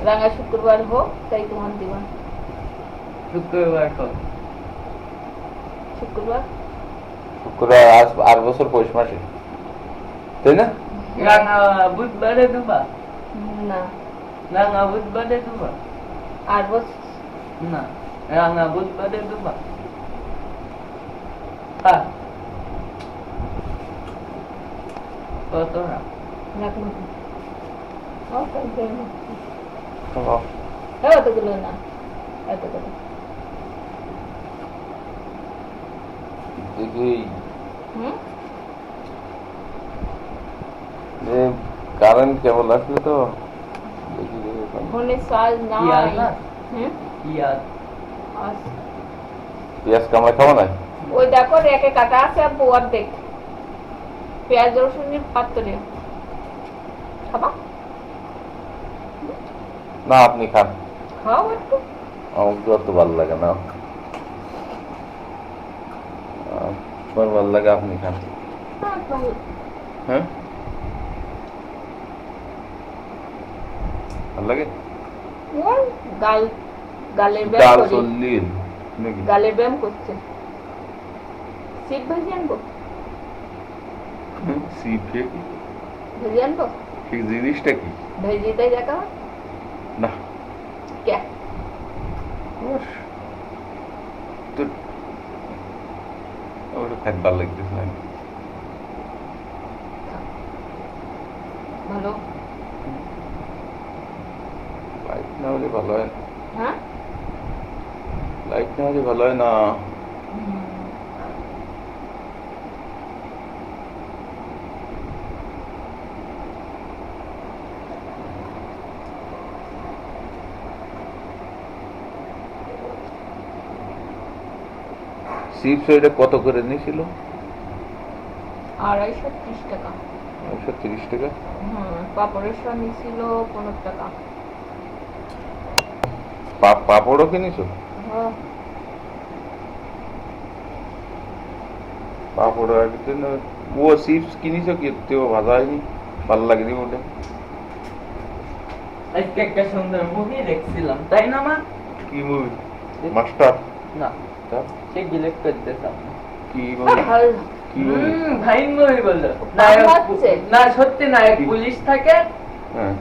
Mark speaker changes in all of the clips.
Speaker 1: রাঙা শুক্রবার হোক তাই তোমার দিবা।
Speaker 2: শুক্রবার হোক।
Speaker 1: শুক্রবার
Speaker 3: আজ 8 বছর পৌষ মাসে, তাই না?
Speaker 2: রাঙা বুধবারে দেবা?
Speaker 1: না,
Speaker 2: রাঙা বুধবারে দেবা?
Speaker 1: 8 বছর
Speaker 2: না, রাঙা বুধবারে দেবা? হ্যাঁ। কত না?
Speaker 1: রাখ না।
Speaker 3: ও,
Speaker 1: এতগুলো না, এতগুলো।
Speaker 3: দেখি
Speaker 1: হুম,
Speaker 3: যে কারেন্ট কেবল আসলে তো দেখি
Speaker 1: ফোনে চার্জ
Speaker 2: কি আর
Speaker 1: নাই।
Speaker 2: না?
Speaker 1: হুম,
Speaker 2: কি আর?
Speaker 1: আছে।
Speaker 3: পেঁয়াজ কামড়া খাওয়া নাই?
Speaker 1: ওই দেখো রেখে কাটা আছে আব্বু অর্ধেক। পেঁয়াজ রসুনের পাত্রে খাবা?
Speaker 3: না, আপনি খান,
Speaker 1: খাও একটু।
Speaker 3: আমার তো অত ভালো লাগে না। তোমার ভালো লাগে, আপনি খান।
Speaker 1: হ্যাঁ, ভালো।
Speaker 3: হ্যাঁ, ভালো লাগে।
Speaker 1: ওই গালের
Speaker 3: ডাল
Speaker 1: ব্যায়াম করি।
Speaker 3: চল্লিশ নাকি?
Speaker 1: গালের ব্যায়াম করছে। শীত ভাজি আনবো?
Speaker 3: সিপ কি?
Speaker 1: ভাজি আনবো?
Speaker 3: ঠিক জিনিসটা কি?
Speaker 1: ভেজি দেয় দেখা
Speaker 3: না,
Speaker 1: কে?
Speaker 3: তো ওটা খাইতে ভালো লাগতেছে না।
Speaker 1: ভালো।
Speaker 3: লাইট না হলে ভালো হয় না।
Speaker 1: হ্যাঁ,
Speaker 3: লাইট না হলে ভালো হয় না। চিপস ওইটা কত করে নিয়েছিল?
Speaker 1: 230 টাকা।
Speaker 3: 30 টাকা।
Speaker 1: পাপড়ের সহ নিছিল 15 টাকা।
Speaker 3: পাপড়ও কিনেছো?
Speaker 1: হ্যাঁ,
Speaker 3: পাপড় ও চিপস কিনেছো কি? তেও ভাজা হয়নি, ভালো লাগেনি ওটা।
Speaker 2: আজকে একটা সুন্দর মুভি দেখছিলাম, তাই না মা?
Speaker 3: কি মুভি? মাস্টার?
Speaker 2: না,
Speaker 3: তা
Speaker 2: সে ডিলেট করতেছিলাম।
Speaker 3: কি মুভি?
Speaker 1: ভালো।
Speaker 3: কি মুভি?
Speaker 2: ভাই মুভি বললো।
Speaker 1: ভালো লাগছে।
Speaker 2: না সত্যি নায়ক
Speaker 3: কি?
Speaker 2: পুলিশ থাকে,
Speaker 3: হ্যাঁ,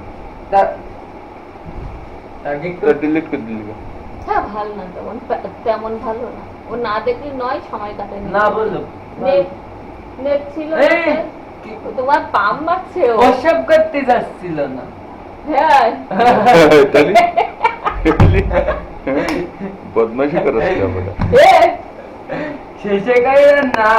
Speaker 2: তাকে একটু
Speaker 3: ডিলিট করে দিলি কেন?
Speaker 1: হ্যাঁ, ভালো না তেমন ভালো না। ও না দেখলে নয়, সময় কাটে
Speaker 2: না বললো।
Speaker 1: নেট ছিল
Speaker 2: এই!
Speaker 1: ও তোমার পাম মারছে ও।
Speaker 2: ওসব করতে যাচ্ছিল না।
Speaker 1: হ্যাঁ,
Speaker 3: তাহলে বদমাইশি করাচ্ছিল আমরা।
Speaker 1: এ
Speaker 2: শেষে গায়ে না